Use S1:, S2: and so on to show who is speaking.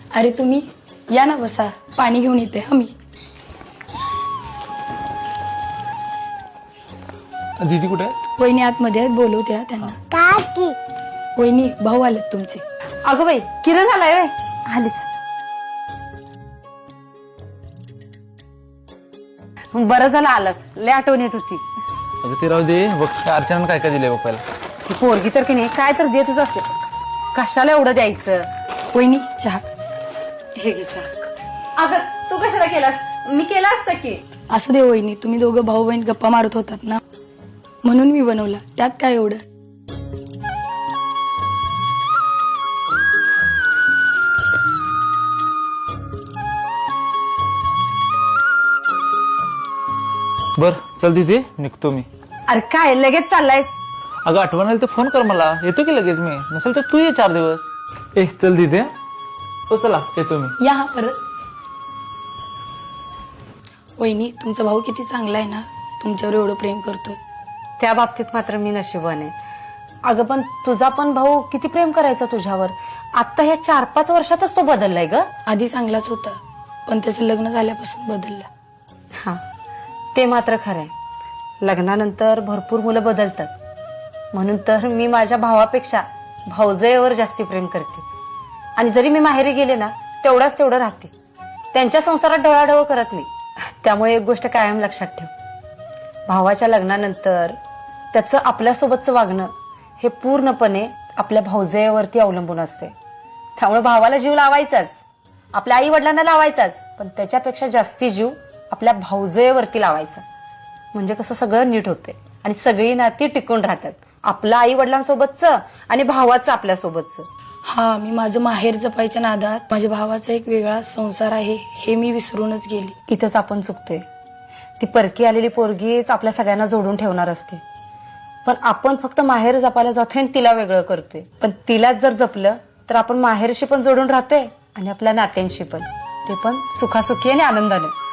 S1: अरे तुम्ही या ना, बसा, पाणी घेऊन येते मी.
S2: दीदी कुठे आहे?
S1: वहिनी आतमध्ये आहेत, बोलवत्या त्यांना.
S3: काकी
S1: वहिनी, भाऊ आलेत तुमचे.
S4: अगं बाई, किरण आलाय व्हय? आलीच. बरं झालं आलास, लय आठवण येत होती.
S2: अगं ते राहू दे. बघ अर्चनानं काय काय दिलंय बघ पहिला.
S4: ती पोरगी तर की नाही काय तर देतच असते. कशाला एवढं द्यायचं?
S1: वहिनी चहा.
S4: हे घे चहा. अगं तू कशाला केलास? मी केला असता की.
S1: असू दे वहिनी, तुम्ही दोघं भाऊ बहीण गप्पा मारत होतात ना, म्हणून मी बनवला, त्यात काय एवढं.
S2: बर चल दीदी, निघतो मी.
S4: अरे काय लगेच चाललायस?
S2: अगं आठवण आली तर फोन कर मला, येतो की लगेच मी. नसेल तर तू ये 4 दिवस. चल दीदी. हो चला, येतो मी.
S1: या हा परत. वहिनी, तुमचा भाऊ किती चांगला आहे ना, तुमच्यावर एवढं प्रेम करतोय.
S4: त्या बाबतीत मात्र मी नशिबाने. अगं पण तुझा पण भाऊ किती प्रेम करायचा तुझ्यावर. आता ह्या 4-5 वर्षातच तो बदललाय ग.
S1: आधी चांगलाच होता, पण त्याचं लग्न झाल्यापासून बदलला.
S4: हा, ते मात्र खरंय. लग्नानंतर भरपूर मुलं बदलतात. म्हणून तर मी माझ्या भावापेक्षा भाऊजयेवर जास्ती प्रेम करते. आणि जरी मी माहेरी गेले ना, तेवढं राहते. त्यांच्या संसारात ढवळाढवळ करत नाही. त्यामुळे एक गोष्ट कायम लक्षात ठेव, भावाच्या लग्नानंतर त्याचं आपल्यासोबतचं वागणं हे पूर्णपणे आपल्या भाऊजयेवरती अवलंबून असते. त्यामुळे भावाला जीव लावायचाच, आपल्या आई वडिलांना लावायचाच, पण त्याच्यापेक्षा जास्ती जीव आपल्या भाऊजयेवरती लावायचा. म्हणजे कसं सगळं नीट होते आणि सगळी नाती टिकून राहतात. आपलं आई वडिलांसोबतचं आणि भावाचं आपल्यासोबतचं.
S1: हा, मी माझं माहेर जपायच्या नादात माझ्या भावाचा एक वेगळा संसार आहे हे मी विसरूनच गेली.
S4: इथंच आपण चुकतोय. ती परकी आलेली पोरगीच आपल्या सगळ्यांना जोडून ठेवणार असते, पण आपण फक्त माहेर जपायला जातोय आणि तिला वेगळं करतोय. पण तिलाच जर जपलं तर आपण माहेरशी पण जोडून राहतोय आणि आपल्या नात्यांशी पण, ते पण सुखासुखी आणि आनंदाने.